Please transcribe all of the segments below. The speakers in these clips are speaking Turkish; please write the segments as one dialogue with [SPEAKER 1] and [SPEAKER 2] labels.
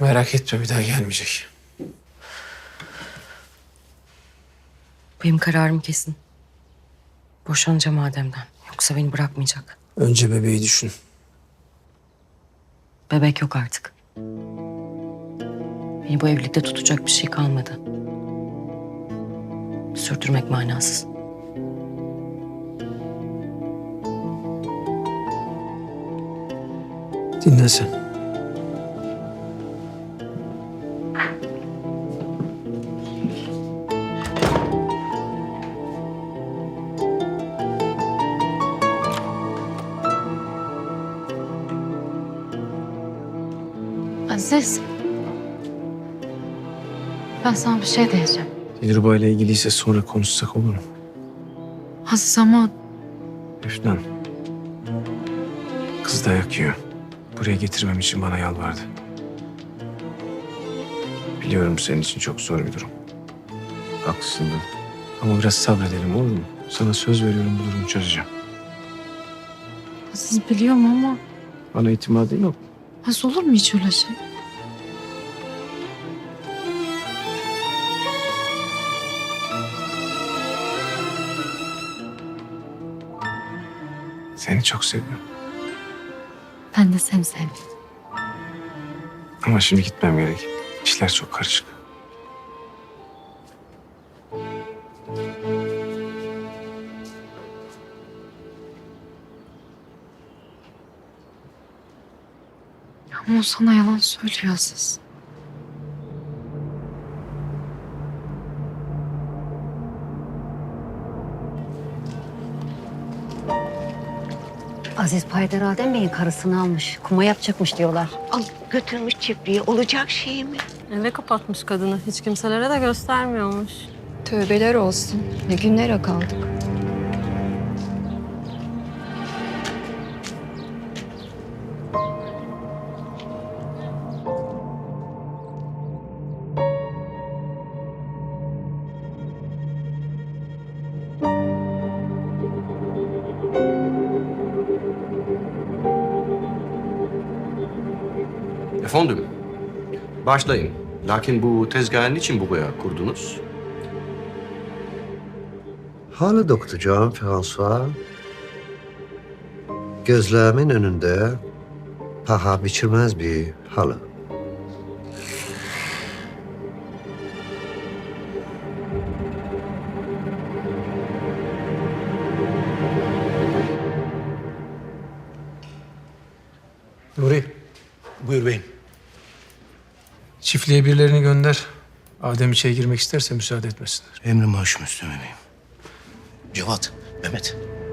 [SPEAKER 1] Merak etme, bir daha gelmeyecek.
[SPEAKER 2] Benim kararım kesin. Boşanacağım Adem'den. Yoksa beni bırakmayacak.
[SPEAKER 1] Önce bebeği düşün.
[SPEAKER 2] Bebek yok artık. Beni bu evlilikte tutacak bir şey kalmadı. Sürdürmek manasız.
[SPEAKER 1] Dinle sen.
[SPEAKER 3] Aziz. Ben sana bir şey diyeceğim.
[SPEAKER 1] Dilruba ile ilgiliyse sonra konuşsak olur mu?
[SPEAKER 3] Aziz ama
[SPEAKER 1] Efnan. Kız dayak yiyor. Buraya getirmem için bana yalvardı. Biliyorum senin için çok zor bir durum. Haklısın da. Ama biraz sabredelim, olur mu? Sana söz veriyorum, bu durumu çözeceğim.
[SPEAKER 3] Aziz biliyorum ama
[SPEAKER 1] Bana itimadın yok.
[SPEAKER 3] Aziz olur mu hiç öyle şey?
[SPEAKER 1] Seni çok seviyorum.
[SPEAKER 3] Ben de seni sevdim.
[SPEAKER 1] Ama şimdi gitmem gerek. İşler çok karışık.
[SPEAKER 3] Ama o sana yalan söylüyor Aziz.
[SPEAKER 4] Aziz Paydar Adem Bey'in karısını almış. Kuma yapacakmış diyorlar.
[SPEAKER 5] Al götürmüş çiftliğe. Olacak şey mi?
[SPEAKER 6] Eve kapatmış kadını. Hiç kimselere de göstermiyormuş.
[SPEAKER 7] Tövbeler olsun. Ne günlere kaldık.
[SPEAKER 8] Efendim, başlayın. Lakin bu tezgahın için buraya kurdunuz?
[SPEAKER 9] Halı dokutacağım François. Gözlerimin önünde paha biçilmez bir halı.
[SPEAKER 1] Nuri,
[SPEAKER 10] Buyur beyim.
[SPEAKER 1] çiftliğe birilerini gönder. Adem içeri girmek isterse müsaade etmesinler.
[SPEAKER 10] Emrim başım üstüne beyim. Cevat, Mehmet.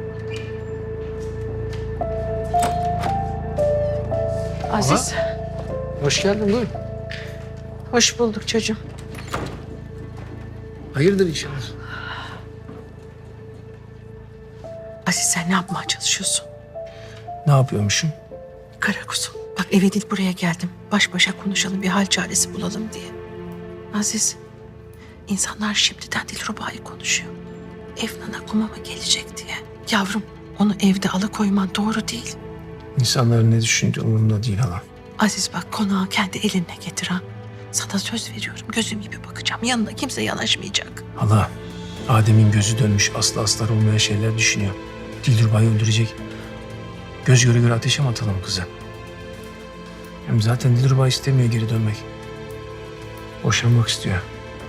[SPEAKER 5] Aziz,
[SPEAKER 1] Hoş geldin, buyur.
[SPEAKER 5] hoş bulduk çocuğum.
[SPEAKER 1] Hayırdır inşallah.
[SPEAKER 5] Aziz sen ne yapmaya çalışıyorsun?
[SPEAKER 1] Ne yapıyormuşum?
[SPEAKER 5] Kara kuzum, bak eve değil buraya geldim. Baş başa konuşalım, bir hal çaresi bulalım diye. Aziz, insanlar şimdiden Dilruba'yı konuşuyor. Efnan'a kuma mı gelecek diye. Yavrum, onu evde alıkoyman doğru değil.
[SPEAKER 1] İnsanların ne düşündüğü umurumda değil hala.
[SPEAKER 5] Aziz bak konağı kendi eline getir ha. Sana söz veriyorum, gözüm gibi bakacağım. Yanına kimse yanaşmayacak.
[SPEAKER 1] Hala, Adem'in gözü dönmüş, aslı aslar olmayan şeyler düşünüyor. Dilruba'yı öldürecek. Göz göre göre ateşe mi atalım kızı? Hem zaten Dilruba istemiyor geri dönmek. Boşanmak istiyor.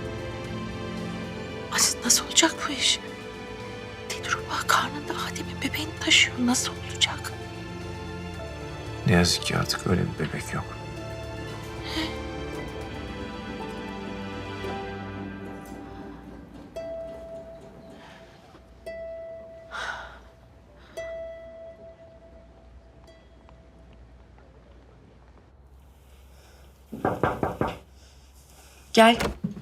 [SPEAKER 5] Aziz nasıl olacak bu iş? Dilruba karnında Adem'in bebeğini taşıyor. Nasıl olacak?
[SPEAKER 1] Ne yazık ki artık öyle bir bebek yok.
[SPEAKER 2] Gel.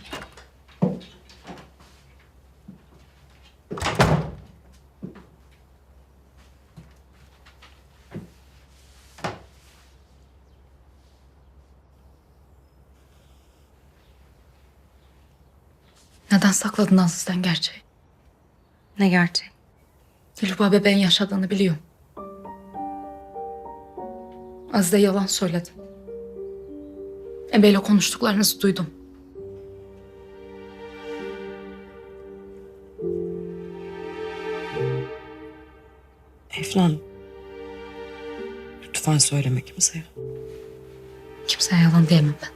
[SPEAKER 3] Neden sakladın Aziz'den gerçeği?
[SPEAKER 2] Ne gerçeği?
[SPEAKER 3] Dilruba bebeğin yaşadığını biliyorum. Aziz'e yalan söyledin. Ebeyle konuştuklarınızı duydum.
[SPEAKER 2] Efnan. Lütfen söyleme kimseye.
[SPEAKER 3] Kimseye yalan diyemem ben.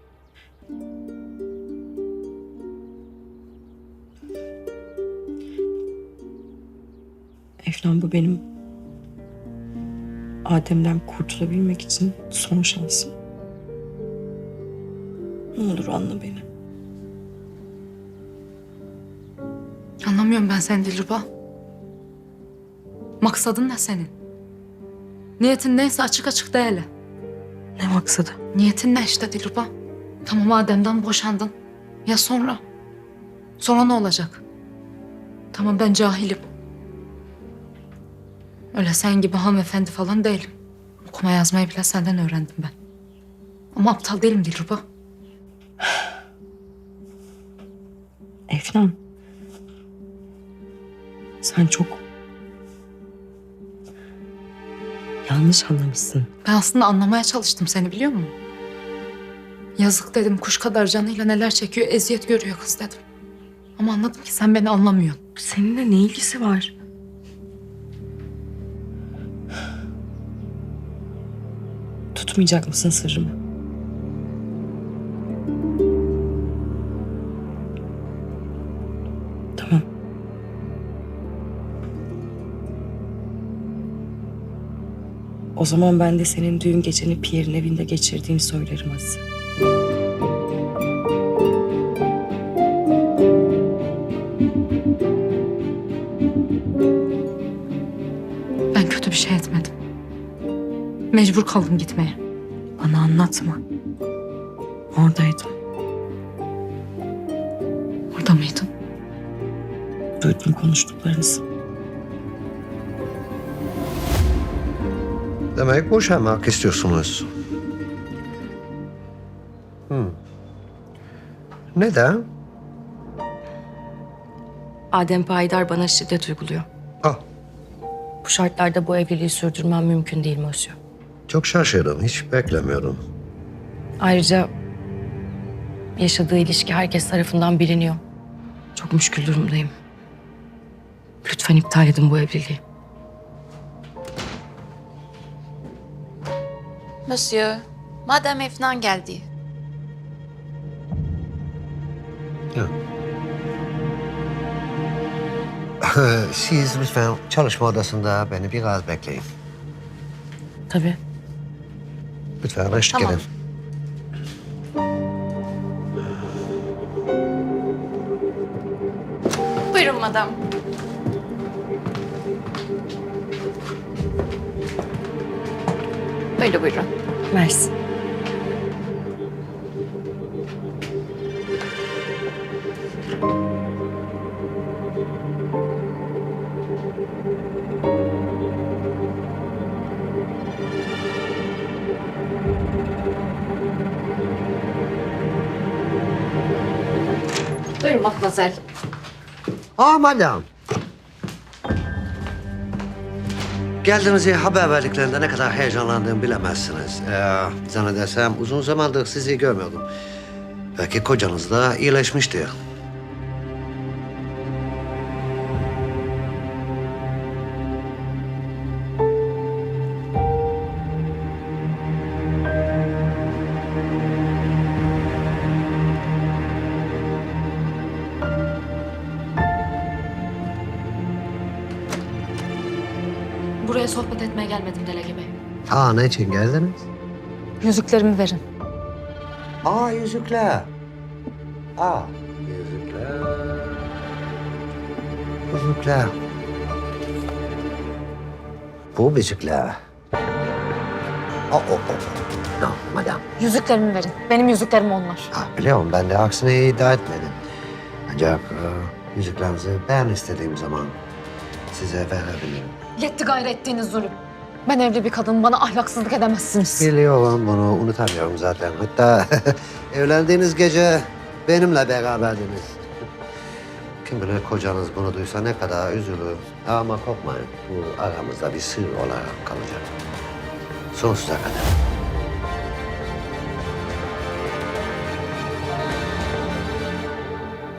[SPEAKER 2] Efnan, bu benim Adem'den kurtulabilmek için son şansım. Ne olur anla beni.
[SPEAKER 3] Anlamıyorum ben seni Dilruba. Maksadın ne senin? Niyetin neyse açık açık de hele.
[SPEAKER 2] Ne maksadı?
[SPEAKER 3] Niyetin ne işte Dilruba? Tamam Adem'den boşandın. Ya sonra? Sonra ne olacak? Tamam ben cahilim. Öyle sen gibi hanımefendi falan değilim. Okuma yazmayı bile senden öğrendim ben. Ama aptal değilim Dilruba.
[SPEAKER 2] Efnan. Sen çok yanlış anlamışsın.
[SPEAKER 3] Ben aslında anlamaya çalıştım seni biliyor musun? Yazık dedim kuş kadar canıyla neler çekiyor eziyet görüyor kız dedim. Ama anladım ki sen beni anlamıyorsun.
[SPEAKER 2] Seninle ne ilgisi var? Tutmayacak mısın sırrımı? Tamam. O zaman ben de senin düğün geceni Pierre'in evinde geçirdiğini söylerim Azize.
[SPEAKER 3] Ben kötü bir şey etmedim. Mecbur kaldım gitmeye.
[SPEAKER 2] Bana anlatma. Oradaydım.
[SPEAKER 3] Orada mıydın?
[SPEAKER 2] Duydum konuştuklarınızı.
[SPEAKER 9] Demek boşanmak istiyorsunuz. Neden?
[SPEAKER 2] Adem Payidar bana şiddet uyguluyor.
[SPEAKER 9] Ah,
[SPEAKER 2] Bu şartlarda bu evliliği sürdürmem mümkün değil Monsieur.
[SPEAKER 9] çok şaşırdım. Hiç beklemiyordum.
[SPEAKER 2] Ayrıca yaşadığı ilişki herkes tarafından biliniyor. Çok müşkül durumdayım. Lütfen iptal edin bu evliliği.
[SPEAKER 5] Monsieur, Madame Efnan geldi.
[SPEAKER 9] Siz lütfen çalışma odasında beni biraz bekleyin.
[SPEAKER 2] Tabii.
[SPEAKER 9] Lütfen eşlik
[SPEAKER 5] Tamam.
[SPEAKER 9] edin.
[SPEAKER 5] Buyurun madam. Böyle buyurun.
[SPEAKER 2] Mersi.
[SPEAKER 5] Buyurun matmazel.
[SPEAKER 9] Ah madam. Geldiğinizi haber verdiklerinde ne kadar heyecanlandığımı bilemezsiniz. Zannedersem uzun zamandır sizi görmüyordum. Belki kocanız da iyileşmiştir.
[SPEAKER 3] Buraya sohbet etmeye gelmedim Delege Bey.
[SPEAKER 9] Ne için geldiniz?
[SPEAKER 3] Yüzüklerimi verin.
[SPEAKER 9] Yüzükler. Yüzükler. Yüzükler. Bu yüzükler. No, madam.
[SPEAKER 3] Yüzüklerimi verin. Benim yüzüklerim onlar.
[SPEAKER 9] Biliyorum ben de aksine iddia etmedim. Ancak yüzüklerinizi ben istediğim zaman size verebilirim.
[SPEAKER 3] Yetti gayrı ettiğiniz zulüm. Ben evli bir kadın, bana ahlaksızlık edemezsiniz.
[SPEAKER 9] Biliyorum, bunu unutamıyorum zaten. Hatta evlendiğiniz gece benimle beraberdiniz. Kim bilir kocanız bunu duysa ne kadar üzülür. Ama korkmayın, bu aramızda bir sır olarak kalacak. Sonsuza kadar.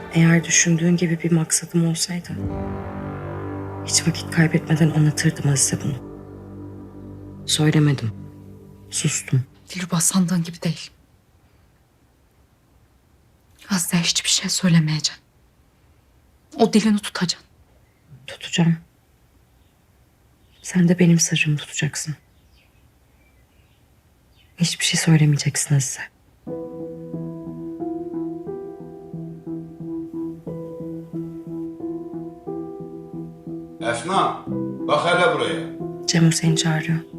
[SPEAKER 2] Eğer düşündüğün gibi bir maksadım olsaydı hiç vakit kaybetmeden anlatırdım Azize bunu. Söylemedim. Sustum.
[SPEAKER 3] Dilruba sandığın gibi değil. Azize hiçbir şey söylemeyeceksin. O dilini tutacaksın.
[SPEAKER 2] Tutacağım. Sen de benim sırrımı tutacaksın. Hiçbir şey söylemeyeceksin Azize.
[SPEAKER 11] Esma, bak hele buraya.
[SPEAKER 2] Cemo seni çağırıyor.